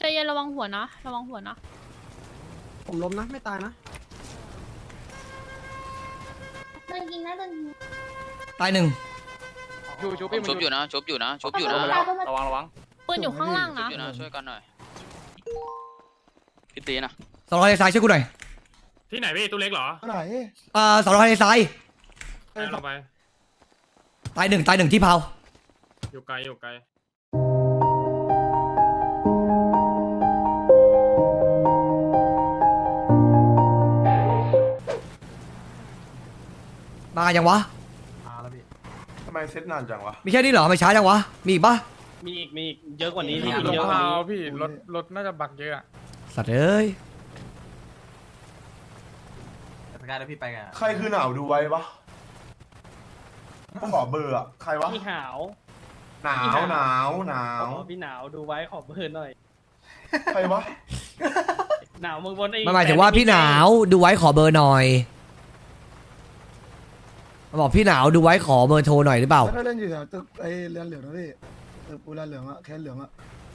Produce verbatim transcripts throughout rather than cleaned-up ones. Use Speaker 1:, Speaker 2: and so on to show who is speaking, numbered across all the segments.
Speaker 1: เย็นระวังหัวนะระวังหัวนะ
Speaker 2: ผมล้มนะไม่ตายนะ
Speaker 3: โดนยิงนะโดนยิง
Speaker 4: ตายหนึ่ง
Speaker 5: ชุบชุบชุบอยู่นะชุบอยู่นะชุบอยู่นะระวังระวัง
Speaker 1: ปืนอยู่ข้างล่างนะ
Speaker 5: ช่วยกันหน่อยพี่ตีนะ
Speaker 4: สองร้อยซ้ายช่วยกูหน่อย
Speaker 6: ที่ไหนพี่ตู้เล็กเหรอ
Speaker 2: ไหน
Speaker 4: อ่าสองร้อยซ้าย
Speaker 6: ลงไป
Speaker 4: ตายหนึ่งตายหนึ่งที่เผา
Speaker 6: อยู่ไกลอยู่ไกล
Speaker 4: มายังวะ
Speaker 2: มาแล้วพี่
Speaker 7: ทำไมเซตนานจังวะ
Speaker 4: มีแค่นี้เหรอไม่ช้าจังวะมีอีกปะ
Speaker 5: มีอีกมีเยอะกว่านี้พี่
Speaker 6: ลง
Speaker 5: เยอะกว่านี้
Speaker 6: พี่รถรถน่าจะบักเยอะ
Speaker 4: สัตว์เอ้ย
Speaker 2: ไปกันแล้วพี่ไปกัน
Speaker 7: ใครคือหนาวดูไว้ปะขอเบอร์อะใครวะ
Speaker 5: พี่หาว
Speaker 7: หนาวหนาวหนาว
Speaker 5: พี่หนาวดูไว้ขอเบอร์หน่อย
Speaker 7: ใครวะ
Speaker 5: หนาวมึงบนไอ้
Speaker 4: มันหมายถึงว่าพี่หนาวดูไว้ขอเบอร์หน่อยมาบอกพี่หนาวดูไว้ขอเบอร์โทรหน่อยหรือเปล่า
Speaker 2: ถ้าเล่นอยู่แถวตึกไอ้เรือนเหลืองนะพี่ตึกปูเรือนเหลืองอะแค่เหลืองอะ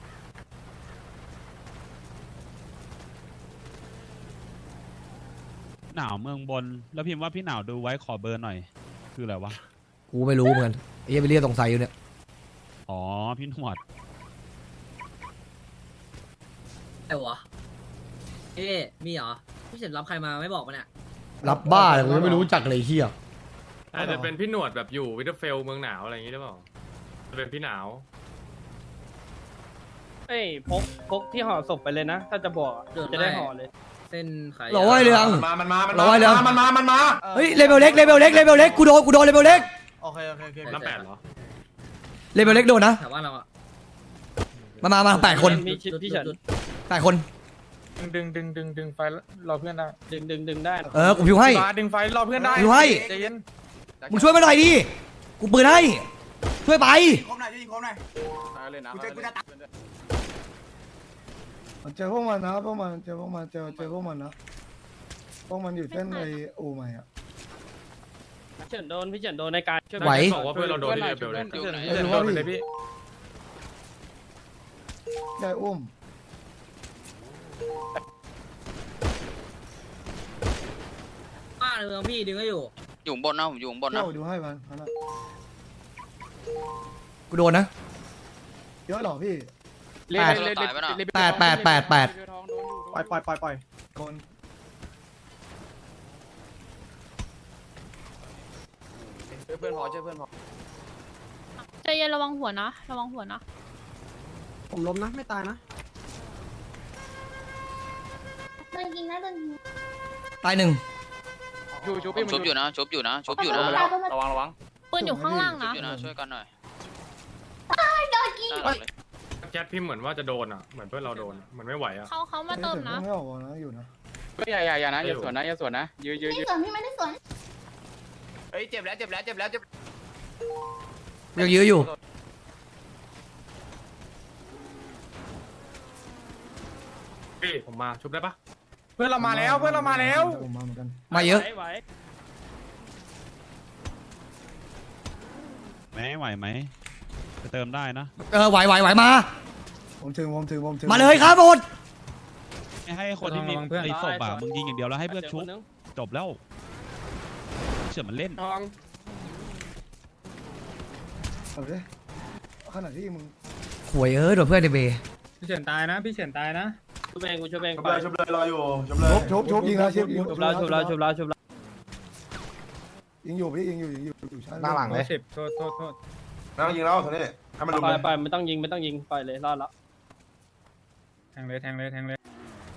Speaker 8: หนาวเมืองบนแล้วพิมพ์ว่าพี่หนาวดูไว้ขอเบอร์หน่อยคืออะไรวะ
Speaker 4: กูไม่รู้เหมือนกันไอ้ยังไปเรียกตรงไซอยู่เนี่ย
Speaker 8: อ๋อพี่หนวด
Speaker 9: ไอ้วะเอ๊มีเหรอพี่เฉินรับใครมาไม่บอกมาเนี่ย
Speaker 4: รับบ้าเลยกูไม่รู้จักเลยเฮีย
Speaker 6: อาจจะเป็นพี่หนวดแบบอยู่วิเทอร์เฟลเมืองหนาวอะไรอย่างงี้หรือเปล่าจะเป็นพี่หนาว
Speaker 5: เอ้ยพกพกที่ห่อศพไปเลยนะถ้าจะบอกจะได้ห่อเลย
Speaker 9: เส้นไข่
Speaker 4: หล่อไว้เรือง
Speaker 7: มามันมามัน
Speaker 4: หล่อไว้เรือง
Speaker 7: มันมามันมา
Speaker 4: เฮ้ยเลเวลเล็กเลเวลเล็กเลเวลเล็กกูโดนกูโดนเลเวลเล็ก
Speaker 2: โอเคโอเคโอเค
Speaker 6: น้ำแปดเหรอ
Speaker 4: เลเวลเล็กโดนนะ
Speaker 9: แต่ว่าเราอะ
Speaker 4: มามามาแปดคน
Speaker 5: มีพี่เฉิน
Speaker 4: แปดคน
Speaker 6: ดึงดึงดึงดึงไฟรอเพื่อนได้
Speaker 5: ดึงดึงดึงได้
Speaker 4: เออกูพิวให้
Speaker 6: ดึงไฟรอเพื่อนได้
Speaker 4: พิวให้
Speaker 6: ใจเย็น
Speaker 4: มึงช่วยมาหน่อยดิกูปืนให้ช่วยไป
Speaker 2: คมหน่อยช่วยยิงคมหน่อย
Speaker 5: เลยนะ
Speaker 2: เจอพวกมันนะพวกมันเจอพวกมันเจอเจอพวกมันนะพวกมันอยู่เส้นในอู่ใหม่อะ
Speaker 5: พี่เฉินโดนพี่เฉินโดนในการ
Speaker 4: ไหว
Speaker 6: บอกว่าเพื่อนเราโดนที่เบลเลยพี่เฉินโดนเลยพี่
Speaker 2: ได้อุ้ม
Speaker 9: ป้าในเมืองพี่ดึงก็อยู่
Speaker 5: อยู่บนนะผมอยู่บนนะ
Speaker 2: ดูให้มันนะ
Speaker 4: กูโดนนะ
Speaker 2: เยอะหรอพี่
Speaker 4: แปดแปดแปดแปดแปด
Speaker 2: ปล่อยปล่อยปล่อยปล่อยโดน
Speaker 5: เพื่อนพอช่วยเพื่อนพอ
Speaker 1: ใจเย็นระวังหัวนะระวังหัวนะ
Speaker 2: ผมล้มนะไม่ตายนะ
Speaker 3: โดนยิงนะโดนยิง
Speaker 4: ตายหนึ่ง
Speaker 5: ชุบชุบชุบอยู่นะชุบอยู่นะชุบอยู่นะระวังระวัง
Speaker 1: ปืนอยู่ข้างล่างนะ
Speaker 5: ช่วยกันหน่อย
Speaker 3: โดนยิง
Speaker 6: แคทพิมพ์เหมือนว่าจะโดนอ่ะเหมือนเพื่อนเราโดนเหมือนไม่ไหวอ่ะ
Speaker 1: เขาเขามาเติมนะ
Speaker 2: ไม่ออกนะอยู่นะ
Speaker 5: อย่าอย่าอย่านะอย่าสวนนะอย่าสวนนะยื้อยื้อยื้อ
Speaker 3: สวนพี่ไม่ได้สวน
Speaker 5: เฮ้ยเจ็บแล้วเจ็บแล้วเจ็บแล้วเจ็บ
Speaker 4: ยังยื้ออยู่
Speaker 6: พี่ผมมาชุบได้ปะเพื่อนเรามาแล้วเพื่อนเรามาแล้ว
Speaker 4: มาเยอะ
Speaker 8: ไหวไหมไหวไหมจะเติมได้นะ
Speaker 4: เออไหวไหวไหวมา
Speaker 2: ผมถึงผมถึงผมถึง
Speaker 4: มาเลยครับหมด
Speaker 8: ไม่ให้คนที่มีไอ้ศพอ่ะมึงยิงอย่างเดียวแล้วให้เพื่อนชุบจบแล้วเชื่อมันเล่น
Speaker 2: เอาเลยขนาดที่มึง
Speaker 4: หวยเอ้ยโดนเพื่อนในเบย์
Speaker 6: พี่เฉินตายนะพี่เฉินตายนะ
Speaker 5: ชุบเองกูชุบเอง
Speaker 7: ชุบเลยชุบเลยรออยู่ชุบเลย
Speaker 2: ชุบชุบยิงแล้วชุบยิง
Speaker 5: ชุบแล้วชุบแล้วชุบแล้วชุบแล้ว
Speaker 2: ยิงอยู่พี่ยิงอยู่ยิงอยู่อยู่ชั้น
Speaker 6: หน้าหลังเลยสิบโทษโทษโทษ
Speaker 7: นั่งยิงแล้วเท่านี้ให้มันลุก
Speaker 5: ไปไปไม่ต้องยิงไม่ต้องยิงไปเลยรอดแล้ว
Speaker 6: แทงเลยแทงเลยแทงเลย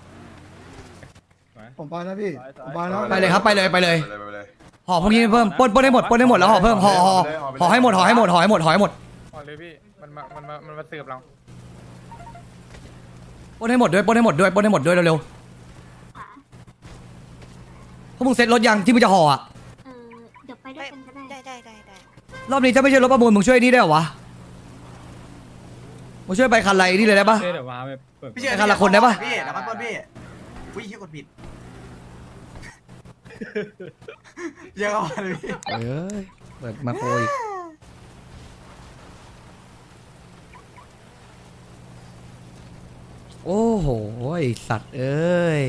Speaker 2: ผมไปนะพี่ผมไปนะ
Speaker 4: ไปเลยครับไปเลยไปเลยห่อพวกนี้เพิ่มปนปนให้หมดปนให้หมดแล้วห่อเพิ่มห่อห่อห่อให้หมดห่อให้หมดห่อให้หมดห่อให้หมด
Speaker 6: ห่อเลยพี่มันมามันมามันมาเสิร์ฟเรา
Speaker 4: ปนให้หมดด้วยปนให้หมดด้วยปนให้หมดด้วยเร็วๆพวกมึงเซ็ตรถยังที่มึงจะห่ออ่ะ
Speaker 3: เดี๋ยวไปด้วยกันก็ได้ได้ได้ได้
Speaker 4: รอบนี้ถ้าไม่ใช่รถประมูลมึงช่วยนี่ได้หรอวะมึงช่วยไปคันไรนี่เลยได้ปะไปคันละคนได้ปะ
Speaker 2: พี่แล้วมันปนพี่วิ่งเชี่ยกดผิดเยอะกว่าเลยพี่
Speaker 4: เอ้ยเปิดมาโคยโอ้โหไอ้สัตว์เอ้ย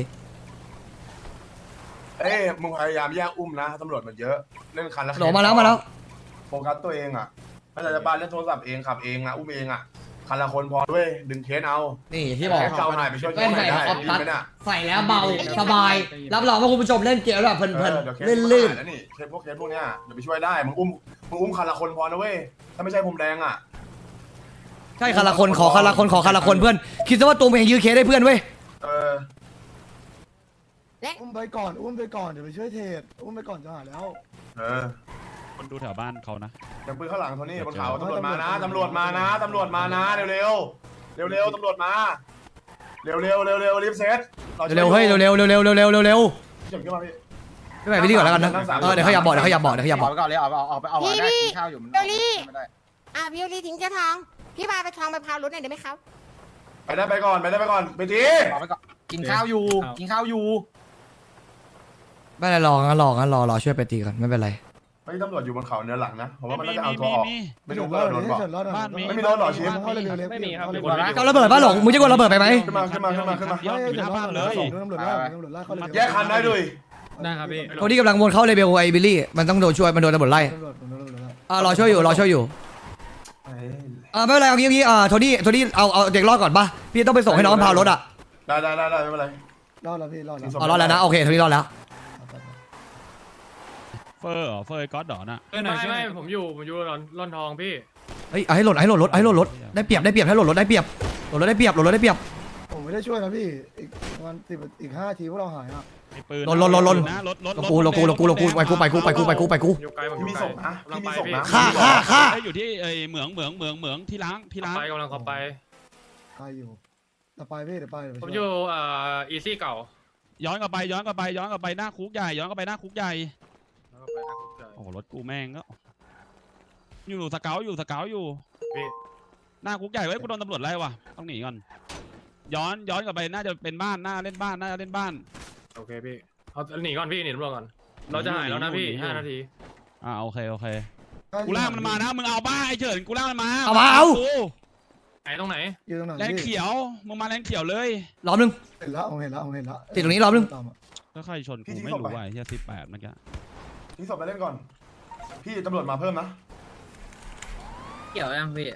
Speaker 7: เอ้ยมึงพยายามแยกอุ้มนะตำรวจมันเยอะเล่นคันละ
Speaker 4: หลมาแล้วมาแล้ว
Speaker 7: โฟกัสตัวเองอ่ะถ้าจะบ้านเล่นโทรศัพท์เองขับเองอ่ะอุ้มเองอ่ะคันละคนพอด้วยดึงเคสเอา
Speaker 4: นี่ที่บอก
Speaker 7: แค่เจ้าหายไปช่วย
Speaker 4: แว่นใส่
Speaker 7: ได้
Speaker 4: ออฟ
Speaker 7: ดี
Speaker 4: ตัด
Speaker 7: ไหมน่ะ
Speaker 4: ใส่แล้วเบาสบาย รับรองว่าคุณผู้ชมเล่นเกมแบบเพลิน
Speaker 7: เออเดี๋ยวเค
Speaker 4: ๆ
Speaker 7: ส
Speaker 4: ลื่น
Speaker 7: ลื่
Speaker 4: ลื่
Speaker 7: น
Speaker 4: น
Speaker 7: แล้วนี่เคสพวกเคสพวกเนี้ยเดี๋ยวไปช่วยได้มึงอุ้มมึงอุ้มคันละคนพอนะเว้ยถ้าไม่ใช่ผมแดงอ่ะ
Speaker 4: ใช่คันละคนขอคันละคนขอคันละคนเพื่อนคิดซะว่าตัวเองยื้อเคสได้เพื่อนเว้ย
Speaker 7: เออ
Speaker 2: อุ้มไปก่อนอุ้มไปก่อนเดี๋ยวไปช่วยเทรดอุ้มไปก่อนจะหาแล้ว
Speaker 7: เออ
Speaker 8: คนดูแถวบ้านเขานะ
Speaker 7: อย่างปืนข้างหลังโทนี่บนเขาตำรวจมานะตำรวจมานะตำรวจมานะเร็วเร็วเร็วเร็วๆตำรวจมาเร็วเร็วเร็วเร็วรีบเซต
Speaker 4: เร็วๆเฮ้ยเร็วๆเร็วๆเร็วๆเร็วๆเร็ว
Speaker 7: เฉินขึ้นมาพี่
Speaker 4: ๆไม่ไหวพี่ดีก่อนแล้วกันนะเออเดี๋ยวเขาอยากบอกเดี๋ยวเขาอยากบอกเดี๋ยวเขาอยากบอก
Speaker 10: ก่อนเลยเอาเอาเอาไปเอา
Speaker 11: พี่
Speaker 10: ได้
Speaker 11: พี่
Speaker 10: กินข้าวอยู่มัน
Speaker 11: เดี๋ยวรี
Speaker 10: ไม่ได้
Speaker 11: อ่ะพี่โอลีทิ้งเจ้าทองพี่พาไปทองไปพาวรถหน่อยได้ไหมครับ
Speaker 7: ไปได้ไปก่อนไปได้ไปก่อนไปที
Speaker 10: เอาไปก่อนกินข้าวอยู่กินข้าวอยู่
Speaker 4: ไม่เป็นไรรองั้นรองั้นรอรอช่วยไปตีกันไม่เป็นไร
Speaker 7: เฮ้ยตำรวจอยู่บนเขาเนื้อหลังนะผมว่ามัน
Speaker 8: มี
Speaker 7: น่าจะเอา
Speaker 8: มี
Speaker 7: ตัว
Speaker 8: มี
Speaker 7: ออก
Speaker 8: มี
Speaker 7: ไม่รู้ว่าโดนบอก
Speaker 2: เฉินรอดหน่อย
Speaker 8: บ้านมี
Speaker 7: ไม่มีโดนหรอชิป
Speaker 2: เข้าเลยเร็วๆ
Speaker 6: ไม่มีครับ
Speaker 2: เข้าเลย
Speaker 6: เดี๋ยว
Speaker 2: เร็ว
Speaker 4: เอาระเบิดป่ะหลงมึงจะกดระเบิดไปไหม
Speaker 7: ขึ้นมาขึ้นมาขึ้นมาขึ้นมา
Speaker 8: เดี๋ยวอยู่หน้าบ้านเลย
Speaker 2: ตำรวจไล่ตำรวจไล่เข้าเลย
Speaker 7: แยกคันได้ด้วย
Speaker 6: ได้ครับพี่
Speaker 4: คนที่กำลังวนเข้าเลเบลไอ้บิลลี่มันต้องโดนช่วยมันโดนตำรวจไล่
Speaker 2: ตำรวจตำรวจตำรวจไล่
Speaker 4: อ่ารอช่วยอยู่รอช่วยอยู่อ่าไม่เป็นไรเอางี้เอางี้อ่าโทนี่โทนี่เอาเอาเด็กรอดก่อนป่ะพี่ต้องไปส่งให้น้องมันพารถอ่ะ
Speaker 7: ได้ได้ได้ได้ไม่เป็นไร
Speaker 2: รอดแล้วพี่รอดแล้ว
Speaker 4: อ๋อรอดแล้วนะโอเคโทนี่รอดแล้ว
Speaker 8: เฟอร์เหรอเฟอร์ไอ้ก๊อตดอน่ะ
Speaker 6: ไม่ไม่ผมอยู่ผมอยู่ร่อนร่อนทองพี่
Speaker 4: เฮ้ยเอาให้หล่นเอาให้หล่นรถเอาให้หล่นรถได้เปรียบได้เปรียบให้หล่นรถได้เปรียบหล่นรถได้เปรียบหล่นรถได้เปรียบ
Speaker 2: ผมไม่ได้ช่วยนะพี่อีกประมาณสิบอีกห้าทีพวกเราหายอ่ะ
Speaker 8: ไอ้ปืน
Speaker 4: ลนลนลนลน
Speaker 8: นะรถรถ
Speaker 4: ลงกูลงกูลงกูลงกูไปกูไปกูไปกูไปกูไปกู
Speaker 6: อยู่ไกลผมอ
Speaker 7: พี่
Speaker 6: ยู่
Speaker 7: มี
Speaker 6: ไกล
Speaker 7: ส่งนะ
Speaker 6: กำลั
Speaker 7: พี่
Speaker 6: ง
Speaker 7: มี
Speaker 6: ไป
Speaker 7: ส่ง
Speaker 6: พี่
Speaker 7: นะ
Speaker 4: ฆ่าฆ่าฆ่า
Speaker 8: ไอ้อยู่ที่ไอ้เหมืองเหมืองเหมืองเหมืองที่ล้างที่ล้าง
Speaker 6: ไปกำลังขับไป
Speaker 2: ใครอยู่เดี๋ยวไปพี่เดี๋ยวไปเดี๋ยวไป
Speaker 6: ผม
Speaker 2: ช่วย
Speaker 6: อยู่เอ่ออีซี่เก่า
Speaker 8: ย้อนกลับไปย้อนกลับไปย้อนกลับไปหน้าคุกใหญ่ย้อนกลับไปหน้าคุกใหญ่
Speaker 6: แล้วก็ไปทางคุกเจอ
Speaker 8: โอ้โหรถกูแม่งก็อยู่สเกลอยู่สเกลอยู่
Speaker 6: พี่
Speaker 8: หน้าคุกใหญ่เว้ยกูโดนตำรวจไล่ว่ะต้องหนีก่อนย้อนย้อนกลับไปน่าจะเป็นบ้านน่าเล่นบ้านน่าจะเล่นบ้าน
Speaker 6: โอเคพี่เอาหนีก่อนพี่หนีตำรวจก่อนเราจะหายแล้วนะพี่ห้านาที
Speaker 8: อ่าโอเคโอเคกูล่ากมันมานะมึงเอาบ้าไอ้เฉินกูล่ากมันมา
Speaker 4: เอามาเอา
Speaker 8: กู
Speaker 6: ไหนตรงไหน
Speaker 2: อยู่ตรงไหน
Speaker 8: แรง
Speaker 2: พี่
Speaker 8: เขียวมึงมาแรงเขียวเลย
Speaker 4: รอบนึง
Speaker 2: เห็นแล้วผมเห็นแล้วผมเห็นแล้ว
Speaker 4: ติดตรงนี้รอบนึง
Speaker 2: ตามอะ
Speaker 8: ก็ใครชนกูไม่รู้ว่ะไอ้เฮียสิบแปดเมื่อกี้
Speaker 7: ทิ้งศพไปเล่นก่อน พี่ตำรวจมาเพิ่มนะ
Speaker 9: เกี่ยวยังพี่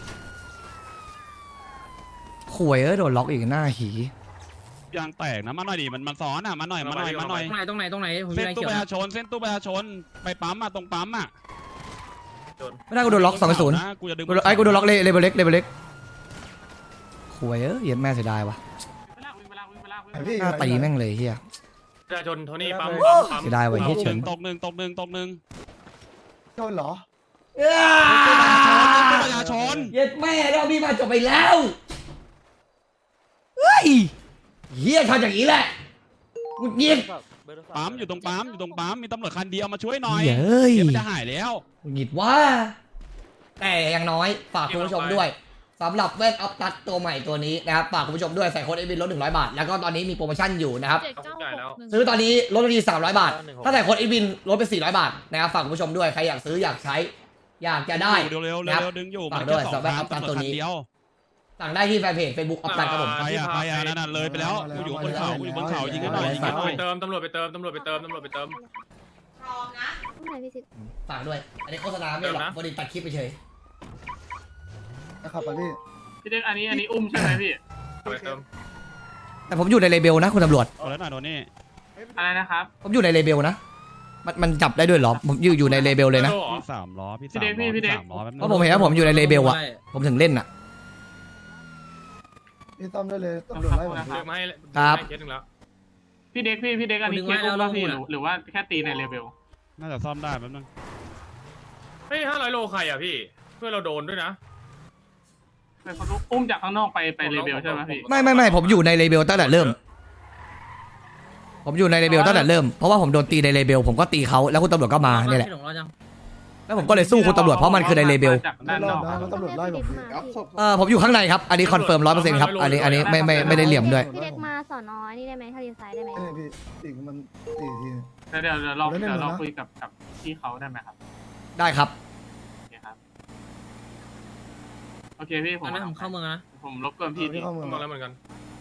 Speaker 4: ข่วยเอ้ยโดนล็อกอีกหน้าหี
Speaker 8: ยางแตกนะมาหน่อยดิมันมันซ้อนอ่ะมาหน่อยมาหน่อยมาหน่อย
Speaker 9: ตรงไหนตรงไหนตรงไหนผม
Speaker 8: เส้
Speaker 9: มี
Speaker 8: น
Speaker 9: อะไร
Speaker 8: ตู้
Speaker 9: เกี่ยว
Speaker 8: ประ
Speaker 9: นะ
Speaker 8: ชาชนเส้นตู้ประชาชนไปปั๊มอ่ะตรงปั๊มอ่ะ
Speaker 4: ไม่ได้กูโดนล็อกสองศูนย์
Speaker 8: ะกูจะดึง
Speaker 4: ไอ้กูโดนล็อกเลเลเบลเล็กเลเบลเล็กข่วยเอ้ยเหี้ย็นแม่เสียดายว่ะ
Speaker 2: ไอ้พี่
Speaker 4: หน้าตีแม่งเลยเฮีย
Speaker 6: ประชาชนโทนี่ปั๊ม
Speaker 2: โอ้
Speaker 6: ปั๊ม
Speaker 4: เสียดายว่ะเหี้ยเฉิน
Speaker 8: ตกหนึ่งตกหนึ่งตกหนึ่ง
Speaker 2: โดนเหรอ
Speaker 8: ตู้ประชาชน
Speaker 4: เย็ดแม่เรามีมาจบไปแล้วเฮ้ยเฮียทำอย่างนี้แหละกูเงียบ
Speaker 8: ปั๊มอยู่ตรงปั๊มอยู่ตรงปั๊มมีตำรวจคันเดียวมาช่วยหน่อย
Speaker 4: เฮ้ย
Speaker 8: เดี๋ยวมันจะหายแล้ว
Speaker 4: กูหงิดว่าแต่อย่างน้อยฝากคุณผู้ชมด้วยสำหรับเวทออฟตัดตัวใหม่ตัวนี้นะครับฝากคุณผู้ชมด้วยใส่โค้ดเอวินลดหนึ่งร้อยบาทแล้วก็ตอนนี้มีโปรโมชั่นอยู่นะครับ
Speaker 1: เจ็ดเก้าหกหนึ่ง
Speaker 4: ซื้อตอนนี้ลดทันทีสามร้อยบาทถ้าใส่โค้ดเอวินลดไปสี่ร้อยบาทนะครับฝากคุณผู้ชมด้วยใครอยากซื้ออยากใช้ อยากจะได้
Speaker 8: เร็วเร็ว
Speaker 4: ค
Speaker 8: เร็
Speaker 4: รับ
Speaker 8: วดึงอยู่
Speaker 4: ฝาก
Speaker 8: มัน
Speaker 4: ด้วย
Speaker 8: แค่สอง
Speaker 4: สำหรับ
Speaker 8: ครั้ง
Speaker 4: อัพตัด
Speaker 8: ตำร
Speaker 4: ตัว
Speaker 8: วจ
Speaker 4: นี้
Speaker 8: คันเดียว
Speaker 4: สั่งได้ที่แฟนเพจเฟซบุ๊กออฟตันครับผม
Speaker 8: ไปอ่ะไปอ่ะนั่นน่ะเลยไปแล้วกูอยู่บนเขากูอยู่บนเขายิงกันหน่อยยิงกันหน่
Speaker 6: ไป
Speaker 8: อย
Speaker 6: เติมตำรวจไปเติมตำรวจไปเติมตำรวจไปเติม
Speaker 4: ฝากด้วย อันนี้โฆษณาไม่หรอกบริษัทตัดคลิปไปเฉย
Speaker 2: นะครับไปพี่
Speaker 6: พี่เด็กอันนี้อันนี้อุ้มใช่ไหมพี่ไปเติม
Speaker 4: แต่ผมอยู่ในเลเบลนะคุณตำรวจ
Speaker 8: เอาแล้วหน่อยโดนี่
Speaker 6: อะไรนะครับ
Speaker 4: ผมอยู่ในเลเบลนะมันมันจับได้ด้วยเหรอผมอยู่อยู่ในเลเบลเลยนะ
Speaker 8: พี่สามล้อพี่สามล้อพี่สามล้อแป๊บนึง
Speaker 4: เพราะผมเห็นว่าผมอยู่ในเลเบลอะผมถึงเล่นอะ
Speaker 2: พี่ต้อมได้เลยตำรวจไล่ผม
Speaker 6: เลือกมาให้
Speaker 4: ครับ
Speaker 6: เคสหนึ่งแล้ว
Speaker 10: พี่เด็กพี่พี่เด็กอันนี้เคสอุ้มป่ะพี่หรือหรือว่าแค่ตีในเลเวล
Speaker 8: น่าจะซ่อมได้แป๊บนึง
Speaker 6: เฮ้ยห้าร้อยโลใครอ่ะพี่เพื่อนเราโดนด้วยนะ
Speaker 10: เป็นคนอุ้มจากข้างนอกไปไปเลเวลใช่ไหมพี่
Speaker 4: ไม่ไม่ไม่ผมอยู่ในเลเบลตั้งแต่เริ่ม ผมอยู่ในเลเบลตั้งแต่เริ่มเพราะว่าผมโดนตีในเลเบลผมก็ตีเขาแล้วคุณตำรวจก็มาเนี่ยแหละ
Speaker 9: พี่หลงรอดยัง
Speaker 4: แล้วผมก็เลยสู้คุณตำรวจเพราะมันคือในเลเบล
Speaker 10: จาก
Speaker 2: ไม่
Speaker 10: ด้าน
Speaker 2: ร
Speaker 10: น
Speaker 2: อ
Speaker 10: อ
Speaker 2: ด
Speaker 10: ก
Speaker 2: นะเขาตำรวจไล่ผมพี่
Speaker 4: เออผมอยู่ข้างในครับอันนี้คอนเฟิร์มร้อยเปอร์เซ็นต์ครับอันนี้อันนี้ไม่ไม่ไม่ได้เหลี่ยมด้วย
Speaker 3: พี่เด็กมาสอนอนี่ได้ไหมถ้าเลี้ยวซ้ายได้ไหม
Speaker 2: นี่พี่อีกมันสี่ที
Speaker 10: เดี๋ยวเดี๋ยวเรา
Speaker 2: เล่น
Speaker 10: เดี๋ยวเรา
Speaker 2: เล่นนะ
Speaker 10: คุยกับกับพี่เขาได้ไหมครับ
Speaker 4: ได้ครับ
Speaker 10: โอเคครับโอเคพี่ผม
Speaker 9: อันนั้นผมเข้าเมืองนะ
Speaker 10: ผมรบกวนพี่
Speaker 2: พี่
Speaker 10: พี่
Speaker 2: เข้าเมือง
Speaker 6: มาแล้วเหมือนกัน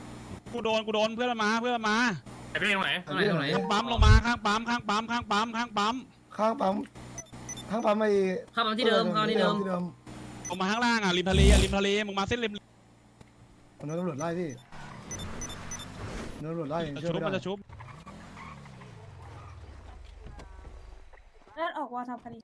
Speaker 8: กูโดนกูโดนเพื่อนมาเพื่อนมา
Speaker 6: ไอ้พี่ตรงไหน
Speaker 9: ตรงไหนตรงไหน
Speaker 8: ข้างปั๊มลงมาข้างปั๊มข้างปั๊มข้างปั๊มข้างปั๊ม
Speaker 2: ข้างปั๊มข้างปั๊มไอ้
Speaker 9: เข้ามาที่เดิมเข้ามาที่เดิม
Speaker 2: ที่เดิม
Speaker 8: ลงมาข้างล่างอ่ะริมทะเลอ่ะริมทะเลมึงมาเส้นริม
Speaker 2: ผมโดนตำรวจไล่พี่โดนตำรวจไล่
Speaker 8: จะ
Speaker 2: ช่วย
Speaker 8: ชุบ
Speaker 2: ไม่
Speaker 8: มัน
Speaker 2: ได้
Speaker 8: จะชุบ
Speaker 3: เลือดออกว่าทำคดี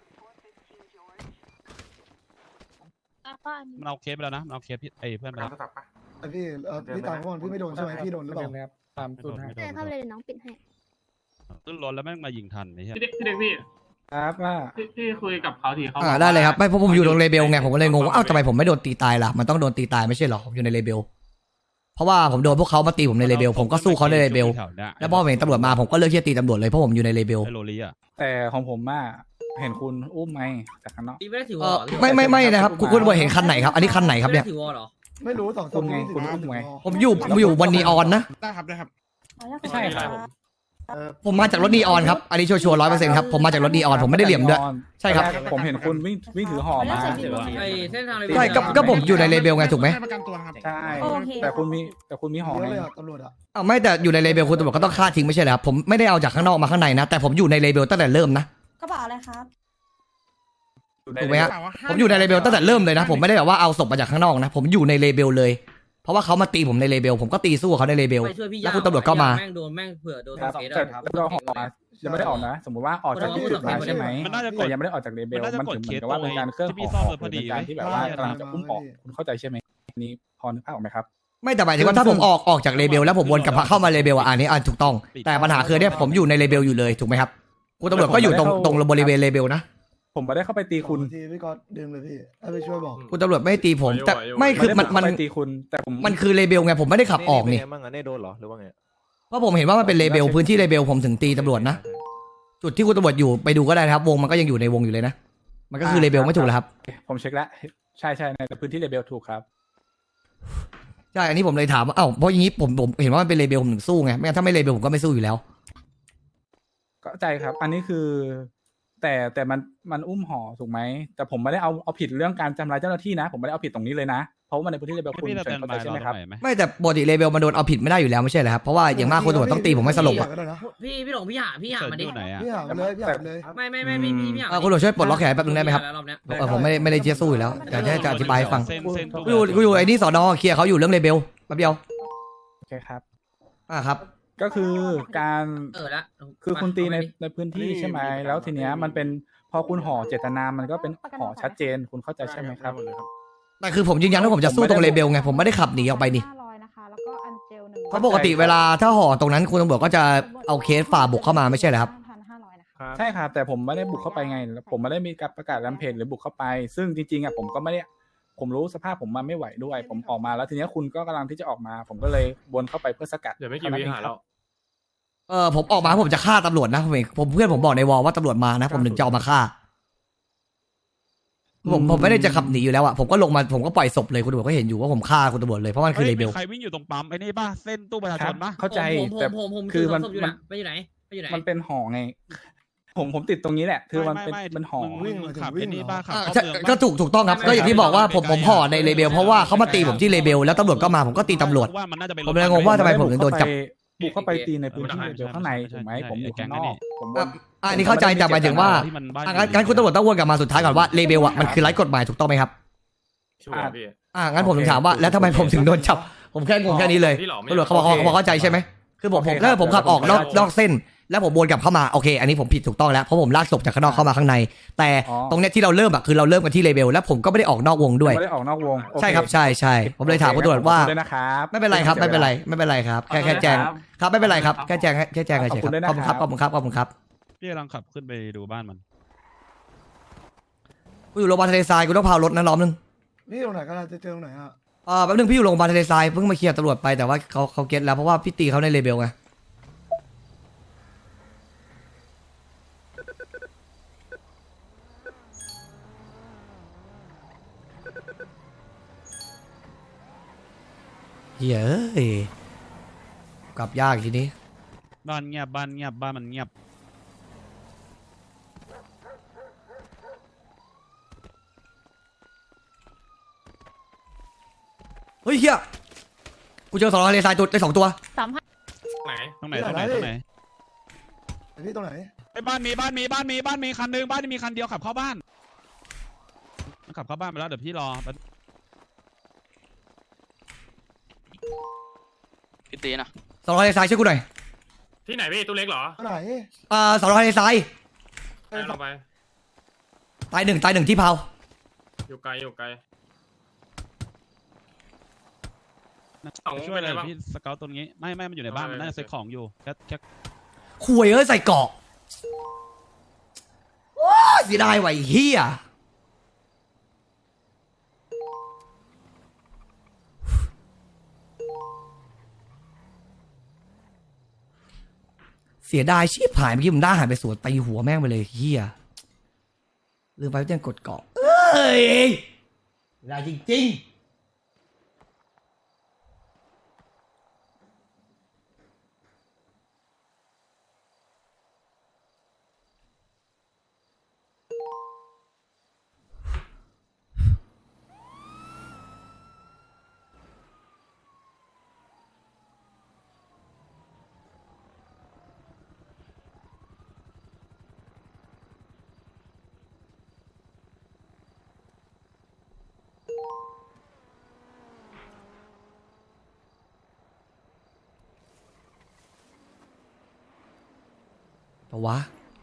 Speaker 1: แล้วก็อันนี้
Speaker 8: มันเอาเคสไปแล้วนะมันเอาเคสพี่ไอ้เพื่อนไปแล้ว
Speaker 2: ไอพี่เออพี่ตามก่อนพี่ไม่โดนใช่ไหมพี่โดนหรือเปล่า
Speaker 8: ไม่โดนไม่โด
Speaker 3: เดิน
Speaker 8: น
Speaker 3: เข้าไปเลยเดี๋ยวน้องปิดให้
Speaker 8: ขึ้นรถแล้วแม่งมายิงทันไอ้เหี้ย
Speaker 10: พี่เด็กพี่เด็กพี่
Speaker 2: ครับว่า
Speaker 10: พี่พี่คุยกับเขาทีเขา
Speaker 4: อ่าได้เลยครับไม่เพราะผมอยู่ตรงเลเบลไงผมก็เลยงงว่าอ้าวทำไมผมไม่โดนตีตายล่ะมันต้องโดนตีตายไม่ใช่หรอผมอยู่ในเลเบลเพราะว่าผมโดนพวกเขามาตีผมในเลเบลผมก็สู้เขาในเลเบลแล้วพอเห็นตำรวจมาผมก็เลิกที่จะตีตำรวจเลยเพราะผมอยู่ในเลเบล
Speaker 8: ไอ้โรลี่อ่ะ
Speaker 12: แต่ของผมอ่ะเห็นคุณอุ้มไหมจากข้างนอก
Speaker 9: พี่ไม่ได้ถือว
Speaker 4: เอ
Speaker 9: อ
Speaker 4: อ
Speaker 9: ล
Speaker 4: ไม่ไม่ไม่นะครับคุณคุณตำรวจเห็นคันไหนครับอันนี้คันไหนครับเนี่ย
Speaker 9: ถือวอลเหรอ
Speaker 2: ไม่รู้สองส
Speaker 12: คุณไง
Speaker 2: สิบ
Speaker 12: คุณอุ้มไง
Speaker 4: ผมอยู่ผมอยู่วันนีออนนะ
Speaker 12: ได้ครับได้ครับ
Speaker 10: ไม่ใช่ครับ
Speaker 4: ผมมาจากรถนีออนครับอันนี้ชัวร์ร้อยเปอร์เซ็นต์ครับผมมาจากรถนีออนผมไม่ได้เหลี่ยมด้วยใช่ครับ
Speaker 12: ผมเห็นคุณวิ่งวิ่งถือห่อมา
Speaker 9: ไอ้เส้นทางเลย
Speaker 4: ใช่ก็ก็ผมอยู่ในเลเบลไงถูกไหม
Speaker 12: ประกันตัวครับใช่แต่คุณมีแต่คุณมีห่อ
Speaker 2: เย
Speaker 12: ไง
Speaker 2: อะเลยอะตำรวจอะ
Speaker 4: อ้าวไม่แต่อยู่ในเลเบลคุณตำรวจก็ต้องฆ่าทิ้งไม่ใช่เหรอครับผมไม่ได้เอาจากข้างนอกมาข้างในนะแต่ผมอยู่ในเลเบลตั้งแต่เริ่มนะ
Speaker 3: กระเป๋าอะไรครับ
Speaker 4: ถูกไหมฮะผมอยู่ในเลเบลตั้งแต่เริ่มเลยนะผมไม่ได้แบบว่าเอาศพมาจากข้างนอกนะผมอยู่ในเลเบลเลยเพราะว่าเขามาตีผมในเลเบลผมก็ตีสู้เขาในเลเบล
Speaker 9: ไปช่วยพี่
Speaker 4: แล้วคุณตำรวจก็มา
Speaker 9: แม่งโดนแม่งเผื่อโดน
Speaker 12: ครับ
Speaker 9: เคส
Speaker 12: แต่
Speaker 9: อะ
Speaker 12: แล้วก็ห่อมายังไม่ได้ออกนะ สมมติว่าออกจากจุดมาใช่ไหม
Speaker 8: มันน่าจะก
Speaker 12: แต่
Speaker 8: ด
Speaker 12: ยังไม่ได้ออกจากเลเบล
Speaker 8: มันน่าจะ
Speaker 12: มัน
Speaker 8: กด
Speaker 12: ถึงเห
Speaker 8: เค
Speaker 12: มือ
Speaker 8: ส
Speaker 12: นกับว่าเป็นการเครื่อง
Speaker 8: ที่พี่
Speaker 12: ห่อ
Speaker 8: ซ่อมเลยพอดี
Speaker 12: เป็นการที่แบบว่ากำลังจะอุ้มออกคุณเข้าใจใช่ไหมอันนี้พอนึกภาพออกไหมครับ
Speaker 4: ไม่แต่หมายถึงว่าถ้าผมออกออกจากเลเบลแล้วผมวนกลับเข้ามาเลเบลอ่ะอันนี้อ่ะถูกต้องแต่ปัญหาคือเนี่ยผมอยู่ในเลเบลอยู่เลยถูกไหมครับคุณตำรวจก็อยู่ตรงตรงบริเวณเลเบลนะ
Speaker 12: ผมไม่ได้เข้าไปตีคุณ
Speaker 2: ทีพี่ก็ดึงเลยพี่ให้ไปช่วยบอก
Speaker 4: คุณตำรวจไม่ได้ตีผมแต่ไม่คือมันมัน
Speaker 12: ไได้เข้าไปตีคุณแต่ผม
Speaker 4: มันคือเลเบลไงผมไม่ได้ขับออกนี่
Speaker 13: มั่งอ่ะเน่โดนเหรอหรือว่าไง
Speaker 4: เพราะผมเห็นว่ามันเป็นเลเบลพื้นที่เลเบลผมถึงตีตำรวจนะจุดที่คุณตำรวจอยู่ไปดูก็ได้นะครับวงมันก็ยังอยู่ในวงอยู่เลยนะมันก็คือเลเบลไม่ถูกแล้วครับ
Speaker 12: ผมเช็คแล้วใช่ใช่ในพื้นที่เลเบลถูกครับ
Speaker 4: ใช่อันนี้ผมเลยถามว่าเอ้าเพราะอย่างนี้ผมผมเห็นว่ามันเป็นเลเบลผมถึงสู้ไงไม่งั้นถ้าไม่เลเบลผมก็ไม่สู้อยู่แล้ว
Speaker 12: ก็ใจครับ อันนี้คือ แต่แต่มันมันอุ้มห่อถูกไหมแต่ผมไม่ได้เอาเอาผิดเรื่องการทำร้ายเจ้าหน้าที่นะผมไม่ได้เอาผิดตรงนี้เลยนะเพราะว่ามันในพื้นที่เลเบลคุณ
Speaker 8: พี่จะ
Speaker 12: เชิ
Speaker 8: เตื
Speaker 12: ญ
Speaker 8: อน
Speaker 12: เข้า
Speaker 8: บา
Speaker 12: ใจ
Speaker 8: ย
Speaker 12: ใช่ไหม
Speaker 8: เรา
Speaker 12: ครับ
Speaker 8: หน่อยไหม
Speaker 4: ไม่แต่ปกติเลเบลมันโดนเอาผิดไม่ได้อยู่แล้วไม่ใช่เหรอครับเพราะว่าอย่างมากคุณตำรวจต้องตีผมให้สลบอะ
Speaker 2: ก็ได้นะ
Speaker 9: พี่พี่หลงพี่หาพี่หา
Speaker 8: เสิร์ช
Speaker 9: มา
Speaker 8: อ
Speaker 9: ดิ
Speaker 8: ยู่ไหนอ่ะ
Speaker 2: พี่หาเลยพี่หาเลย
Speaker 9: ไม่ไม่ไม่พี่พี่พี่หา
Speaker 4: เออคุณตำรวจช่วยปลดล็อกแขนแป๊บนึงได้ไหมครับ
Speaker 9: รอบเนี้ย
Speaker 4: เออผมไม่ได้ไม่ได้เจี๊ยบสู้อยู่แล้วแต่จะจะอธิบายให้ฟัง
Speaker 8: เส้นเส้น
Speaker 4: กูอยู่กูอยู่ไอ้นี่สอนอเคลียร์เขาอยู่เรื่องเลเบลแป๊บเดียว
Speaker 12: โอเคครับ
Speaker 4: อ่าครับ
Speaker 12: ก็คือการ
Speaker 9: เออละ
Speaker 12: คือคุณตีใน
Speaker 9: เอาไปดิ
Speaker 12: ในพื้นที่ใช่ไหมแล้วทีเนี้ยมันเป็นพอคุณห่อเจตนามันก็เป็นห่อชัดเจนคุณเข้าใจใช่ไหมครับ
Speaker 4: แต่คือผมยืนยันว่าผมจะสู้ตรงเลเบลไงผมไม่ได้ขับหนีออกไปนี่
Speaker 3: ห้าร้อยนะคะ แล้วก็อันเจลหนึ่ง
Speaker 4: เพราะปกติเวลาถ้าห่อตรงนั้นคุณตำรวจก็จะเอาเคสฝ่าบุกเข้ามาไม่ใช่เหรอครับ
Speaker 3: พันห้าร้อยนะคะ
Speaker 12: ใช่ครับแต่ผมไม่ได้บุกเข้าไปไง ผมไม่ได้มีการประกาศแรมเพจหรือบุกเข้าไป ซึ่งจริงๆอ่ะผมก็ไม่ได้ผมรู้สภาพผมมันไม่ไหวด้วย ผมออกมาแล้วทีเนี้ยคุณก็กำลังที่จะออกมา ผมก็เลยวนเข้าไปเพื่อสกัด
Speaker 6: เดี๋ยวไม่กี่วิหาแล้ว
Speaker 4: เออผมออกมาผมจะฆ่าตำรวจนะผมเองผมเพื่อนผมบอกในวอลว่าตำรวจมานะ ผมถึงจะเอามาฆ่าผมผมไม่ได้จะขับหนีอยู่แล้วอะผมก็ลงมาผมก็ปล่อยศพเลยคุณตำรวจก็เห็นอยู่ว่าผมฆ่าคุณตำรวจเลยเพราะมันคือเลเบล
Speaker 8: ใครวิ่งอยู่ตรงปั๊มไอ้นี่ป่ะเส้นตู้ประชา
Speaker 12: ค
Speaker 8: ช
Speaker 12: รับ
Speaker 8: นป่ะ
Speaker 12: เข้าใจ
Speaker 9: ผมผม
Speaker 12: แต่
Speaker 9: ผมผม
Speaker 12: คือมัน
Speaker 9: ศพอยู่
Speaker 12: มัน
Speaker 9: นะไปอยู่ไหนไปอยู่ไหน
Speaker 12: มันเป็นห่อไง ผมผมติดตรงนี้แหละ คือมันเป็นมันห่อ
Speaker 8: มึงมึงขับไอ้นี่ป่ะขับ
Speaker 4: อ่า
Speaker 8: เข้า
Speaker 4: ใช่
Speaker 8: เมือง
Speaker 4: ก็
Speaker 8: ป่ะ
Speaker 4: ถูกถูกต้องครับก็อย่างที่บอกว่าผมผมห่อในเลเบลเพราะว่าเขามาตีผมที่เลเบลแล้วตำรวจก็มาผมก็ตีตำรวจ
Speaker 8: ว่ามันน่าจะเป็น
Speaker 4: ผมเลยงงว่าทำไมผมถึงโดนจับ
Speaker 12: บุกเข้าไปตีในพื้นที่เลเบลข้างในถูกไหมผมอยู่ข้างนอกผมว
Speaker 4: อ่ะ
Speaker 12: น
Speaker 4: อ่ะอันนี้เข้าใจแต่หมายถึงว่า
Speaker 8: ที่มันบ้าน
Speaker 4: อ่ะงั้นงั้นคุณตำรวจต้องวนกลับมาสุดท้ายก่อนว่าเลเบลอะมันคือไร้กฎหมายถูกต้องไหมครับ
Speaker 6: ช่วยพี่
Speaker 4: อ่ะงั้นผมถึงถามว่าแล้วทำไมผมถึงโดนจับผมแค่งงแค่นี้เลย
Speaker 6: ที่หลอกไม่
Speaker 4: ตำรวจเขาบอกเขาบอกเข้าใจใช่ไหมคือผมผมถ้าผมขับออกนอกนอกเส้น แล้วผมวนกลับเข้ามาโอเคอันนี้ผมผิดถูกต้องแล้วเพราะผมลากศพจากข้างนอกเข้ามาข้างใน แต่ตรงเนี้ยที่เราเริ่มอะคือเราเริ่มกันที่เลเบลแล้วผมก็ไม่ได้ออกนอกวงด้วย
Speaker 12: ไม่ได้ออกนอกวงโอเ
Speaker 4: ใช่ครับใช่ใช่ผมเลยถามคุณตำรวจว่า
Speaker 12: ขอบคุณด้วยนะครับ
Speaker 4: ไม่เป็นไรครับไม่เป็นไรไม่เป็นไรครับแค่แค่แจ้งครับไม่เป็นไรครับแค่แจ้งแค่แจ้งเฉยๆครับขอบคุณครับขอบคุณครับขอบคุณครับ
Speaker 8: พี่กำลังขับขึ้นไปดูบ้านมัน
Speaker 4: กูอยู่โรงพยาบาลทะเลทรายกูต้องพารถนะล้อมนึง
Speaker 2: พี่ตรงไหนกันจะเจอตรงไหนฮะ
Speaker 4: เออแป๊บนึงพี่อยู่โรงพยาบาลทะเลทรายเพิ่งมาเคลียร์ตำรวจไปแต่ว่าเขาเขาเก็ตแล้วเพราะว่าพี่ตีเขาในเลเบลไงเฮ้ยกลับยากทีนี้
Speaker 8: บ้านเงียบบ้านเงียบบ้านมันเงียบ
Speaker 4: เฮ้ยเฮียกูเจอสองทะเลทรายตัวได้สองตัว
Speaker 1: สามห้า
Speaker 6: ไหน
Speaker 8: ตรงไหนตรงไหนตรงไหน
Speaker 2: พี่ตรงไหน
Speaker 8: ไอ้บ้านมีบ้านมีบ้านมีบ้านมีคันหนึงบ้านมีคันเดียวขับเข้าบ้านมันขับเข้าบ้านไปแล้วเดี๋ยวพี่รอ
Speaker 5: พี่ตีนะ
Speaker 4: สองทะเลทรายช่วยกูหน่อย
Speaker 6: ที่ไหนพี่ตัวเล็กเหรอ
Speaker 2: ไหน
Speaker 4: อ่าสองทะเลทราย
Speaker 6: ไหนลงไป
Speaker 4: ตายหนึ่งตายหนึ่งที่เผา
Speaker 6: อยู่ไกลอยู่ไกล
Speaker 8: ช่วยเลยพี่สเกลตัวนี้ไม่ไม่มันอยู่ในบ้านมันน่าจะเซ็ตของอยู่แค่แค่
Speaker 4: คุยเอ้ยใส่เกาะโอ้ยเสียดายว่ะไอ้เฮียเสียดายชีพหายเมื่อกี้ผมได้หายไปสวนตีหัวแม่งไปเลยเฮียลืมไปว่าต้องกดเกาะเอ้ยเสียดายจริงๆปะวะ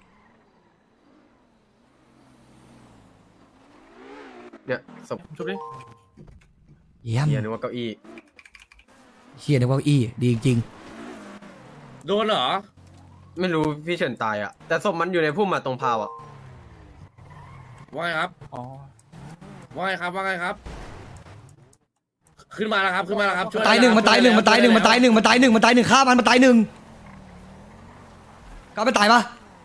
Speaker 13: เนี่ยศพ
Speaker 6: ชุบดิ
Speaker 4: เยี่ยม
Speaker 13: เฮียนึกว่าเก้าอี้
Speaker 4: เฮียนึกว่าอี้ดีจริง
Speaker 13: โดนเหรอ ไม่รู้พี่เฉินตายอ่ะ แต่ศพมันอยู่ในพุ่มมาตรงพาวอ่ะ
Speaker 9: ว่าไงครับ
Speaker 12: อ๋อ
Speaker 9: ว่าไงครับว่าไงครับ ขึ้นมาแล้วครับขึ้นมาแล้วครับช่วย
Speaker 4: ตายหนึ่งมันตายหนึ่งมันตายหนึ่งมันตายหนึ่งมันตายหนึ่งมันตายหนึ่งฆ่ามันมันตายหนึ่งก็ไม่ตายปะ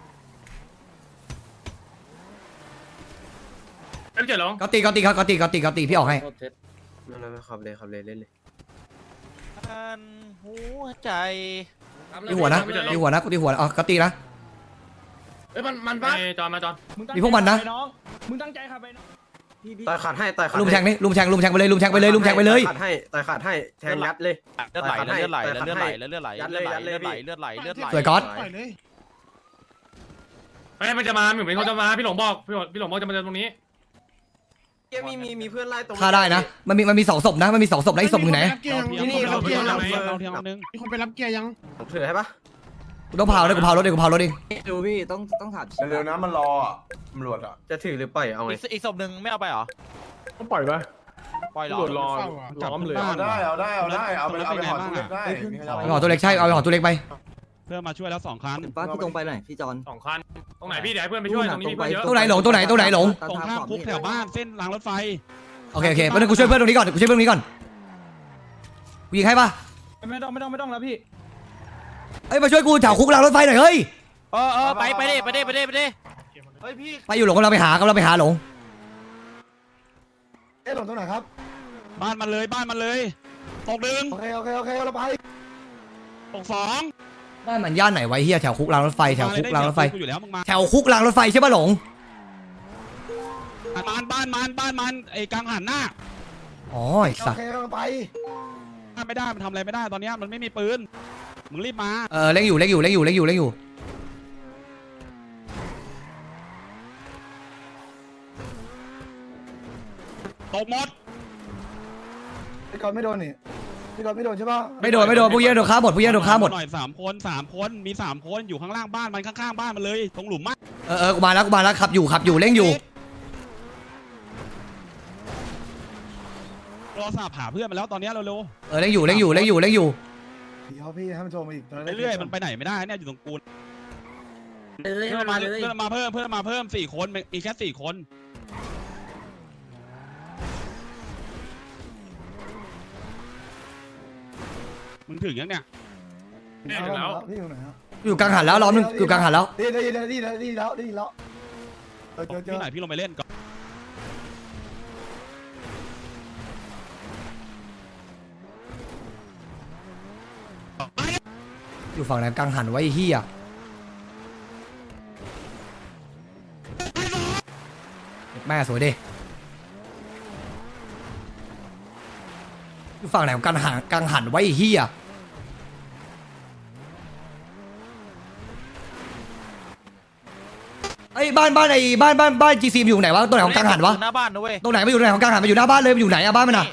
Speaker 6: ไม่เจ็บหรอ
Speaker 4: ก็ตีก็ตีครับก็ตีก็ตีก็ตีพี่ออกให้
Speaker 13: นั่นนั่นขับเลยขับเลยเล่นเลย
Speaker 5: หัวใจ
Speaker 4: ตีหัวนะตีหัวนะกูตีหัวอ๋อก็ตีนะ
Speaker 9: เอ้ยมันมันบ้า
Speaker 6: จอนมาจอน
Speaker 4: มีพวกมันนะ
Speaker 10: มึงตั้งใจขับไปน้อง
Speaker 13: ต่อยขาดให้ต่อยขาด
Speaker 4: ลุมแทงนี่ลุมแทงลุมแทงไปเลยลุมแทงไปเลยลุมแทงไปเลย
Speaker 13: ต่อยขาดให้ต่อยขาดให้แทงยัดเลย
Speaker 5: เลือดไหลเลือดไหลเลือดไหลเลือดไหล
Speaker 13: ยัดเลยยัดเลยพี่
Speaker 5: เลือดไหลเลือดไหล
Speaker 4: สวยก๊อต
Speaker 6: เฮ้ยมันจะมาหนุ่มเป็นคนจะมาพี่หลงบอกพี่หลงพี่หลงบอกจะมาเจอตรงนี้
Speaker 13: มีมีมีเพื่อนไล่ตรง
Speaker 4: ฆ่าได้นะมันมีมันมีสองศพนะมันมีสองศพนะอีกศพหนึ่งไหน
Speaker 13: ที่นี่เขาเกียร์
Speaker 8: เราเทียมเราเทียมนึง
Speaker 10: มีคนไปรับเกียร์ยัง
Speaker 13: ถือให้ปะ
Speaker 4: กูต้องเผาเลยกูเผารถเองกูเผารถเอง
Speaker 9: ดูพี่ต้องต้องถาม
Speaker 7: เร็วๆนะมันรออ่ะตำรวจอ่ะ
Speaker 13: จะถือหรือปล่อยเอาไง
Speaker 5: อีกศพหนึ่งไม่เอาไปเหรอ
Speaker 7: ก็ปล่อยไป
Speaker 5: ปล่อยหรอ
Speaker 7: ตำรวจรอล้อมเลยเอาได้เอาได้เอาได้เอาไปเอาไปหอตัวเล็กได้
Speaker 4: ไปหอตัวเล็กใช่เอาไปหอตัวเล็กไป
Speaker 8: เพื่อมาช่วยแล้วสองคัน
Speaker 9: ป้าพี่ตรงไปหน่อยพี่จอน
Speaker 6: สองคันตรงไหนพี่เดี๋ยวให้เพื่อนไปช่วยตรงนี้มีเพื่อนเยอะ
Speaker 4: ตัวไหนหลงตัวไหนตัวไหนหลง
Speaker 8: ตรงข้ามคุกแถวบ้านเส้นรางรถไฟ
Speaker 4: โอเคโอเคเพราะนั้นกูช่วยเพื่อนตรงนี้ก่อนกูช่วยเพื่อนตรงนี้ก่อนกูยิงให้ปะ
Speaker 10: ไม่ต้องไม่ต้องไม่ต้องแล้วพี่
Speaker 4: เอ้ยมาช่วยกูแถวคุกรางรถไฟหน่อยเฮ้ย
Speaker 5: เออเออไปไปดิไปดิไปดิไปดิเฮ้ยพี่
Speaker 4: ไปอยู่หลงกำลังไปหากำลังไปหาหลง
Speaker 2: เอ๊ะหลงตรงไหนครับ
Speaker 8: บ้านมันเลยบ้านมันเลยตกหนึ่ง
Speaker 2: โอเคโอเคโอเคเราไป
Speaker 8: ตกสอง
Speaker 4: บ้านมันย่านไหนไวะไอ้เฮียแถวคุกรางรถไฟแถวคุกรางรถไฟ
Speaker 8: กูอยู่แล้วมึงมา
Speaker 4: แถวคุกรางรถไฟใช่ปะหลง
Speaker 8: บ้านบ้านมันบ้านมันไอ้กังหันหน้า
Speaker 4: อ๋อไอ้
Speaker 2: โอ
Speaker 4: สัส
Speaker 2: เคเราไป
Speaker 8: ไม่ได้มันทำอะไรไม่ได้ตอนนี้มันไม่มีปืนมึงรีบมา
Speaker 4: เออเล่งอยู่เล่งอยู่เล่งอยู่เล่งอยู่เล่งอยู่
Speaker 8: ตกหมด
Speaker 2: พี่กอนไม่โดนนี่พี่กอนไม่โดนใช่ปะ
Speaker 4: ไม่โดนไม่โดนพวกเหี้ยโดนฆ่าหมดพวกเหี้ยโดนฆ่าหมด
Speaker 8: หน่อยสามคนสามคนมีสามคนอยู่ข้างล่างบ้านมันข้างๆบ้านมันเลยตรงหลุมมาก
Speaker 4: เออเออกูมาแล้วกูมาแล้วขับอยู่ขับอยู่เล่งอยู่
Speaker 8: รอสาบหาเพื่อนมาแล้วตอนนี้เร็ว
Speaker 4: เออเล่งอยู่เล่งอยู่เล่งอยู่เล่งอยู่
Speaker 2: พี่เอาพี่ให้มันโทรมาอีก
Speaker 8: ๆเรื่อยๆมันไปไหนไม่ได้เนี่ยอยู่ตรงกู
Speaker 9: เลย
Speaker 8: เพื่อน
Speaker 9: มา
Speaker 8: มา
Speaker 9: เลย
Speaker 8: เพื่อนมาเพิ่มเพื่อนมาเพิ่มสี่คนมีแค่สี่คนมึงถึงยังเนี่ย
Speaker 6: เนี่ยถึงแล้ว
Speaker 2: พี่อยู่ไหนครับ
Speaker 4: อยู่กลางหันแล้วล้อมนึงอยู่กลางหันแล้ว
Speaker 2: ได้ได้ได้ได้ได้แล้วได้แล้วเจอเจอเจอ
Speaker 8: ที่ไหนพี่ลงไปเล่นก่อน
Speaker 4: อยู่ฝั่งไหนกลางหันไว้ไอ้เฮียแม่สวยดิอยู่ฝั่งไหนของกังหันกังหันไว้ไอ้เฮียไอ้บ้านบ้านไอ้บ้านบ้านบ้านจีซีอยู่ไหนวะตรงไหนของกังหันวะ
Speaker 8: หน้าบ้านนะเว้ย
Speaker 4: ตรงไหนไม่อยู่ตรงไหนของกังหันมันอยู่หน้าบ้านเลยมันอยู่ไหนอะบ้านมันอะ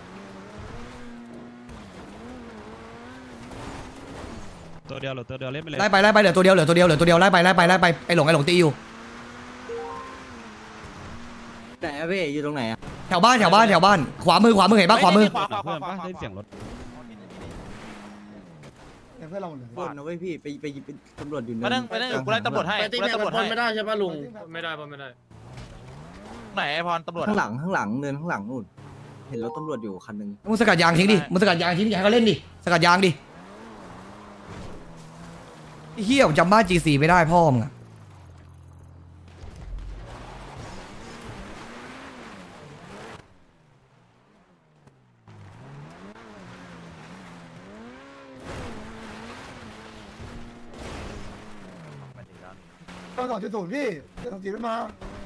Speaker 8: ตัวเดียวเหรอตัวเดียวเล่นไปเลย
Speaker 4: ไล่ไปไล่ไปเหลือตัวเดียวเหลือตัวเดียวเหลือตัวเดียวไล่ไปไล่ไปไล่ไปไอ้หลงไอ้หลงตีอยู่
Speaker 9: ไหนอะพี่อยู่ตรงไหนอะ
Speaker 4: แถวบ้านแถวบ้านแถวบ้านขวามือขวามือเห็นปะขวามือ
Speaker 8: ขวาขวาขวาขวาได้เสียงรถ
Speaker 2: เนี่ยเพื่อนเราหมดเลย
Speaker 9: บนนะเว้ยพี่ไปไปไปตำรวจอยู่
Speaker 8: มานั่งไปนั่งอยู่กูไล่ตำรวจให้กูไล่ตำรวจให้
Speaker 13: ไม่ได้ใช่ป่ะลุง
Speaker 6: ไม่ได้ปะไม่ได้
Speaker 8: ไหนไอพรตำรวจ
Speaker 9: ข้างหลังข้างหลังเนินข้างหลังนู่นเห็นรถตำรวจอยู่คันนึง
Speaker 4: มึงสกัดยางทิ้งดิมึงสกัดยางทิ้งอย่าให้เขาเล่นดิสกัดยางดิไอ้เฮียผมจำบ้านจีซีไม่ได้พ่อมึงอะ
Speaker 2: ต้องสองจุดศูนย์พี่เดี๋ยวสองจีไม่มา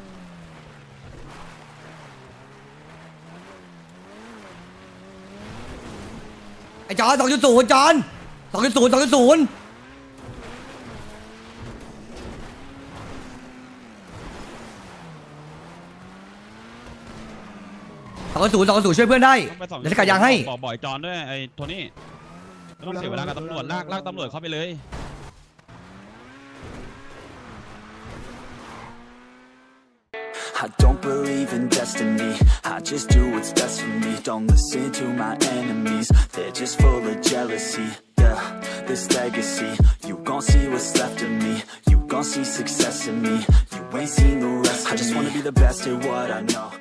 Speaker 4: ไอ้จอนสองจุดศูนย์จอนสองจุดศูนย์สองจุดศูนย์สองจุดศูนย์สองจุดศูนย์ช่วยเพื่อนได้เดี๋ยวสกัดยางให้
Speaker 8: บอกบ่อยจอนด้วยไอ้โทนี่ไม่ต้องเสียเวลากับตำรวจลากลากตำรวจเข้าไปเลย
Speaker 14: I don't believe in destiny, I just do what's best for me. Don't listen to my enemies, they're just full of jealousy. Yeah, this legacy, you gon' see what's left of me. You gon' see success in me, you ain't seen the rest of me. I just wanna be the best at what I know.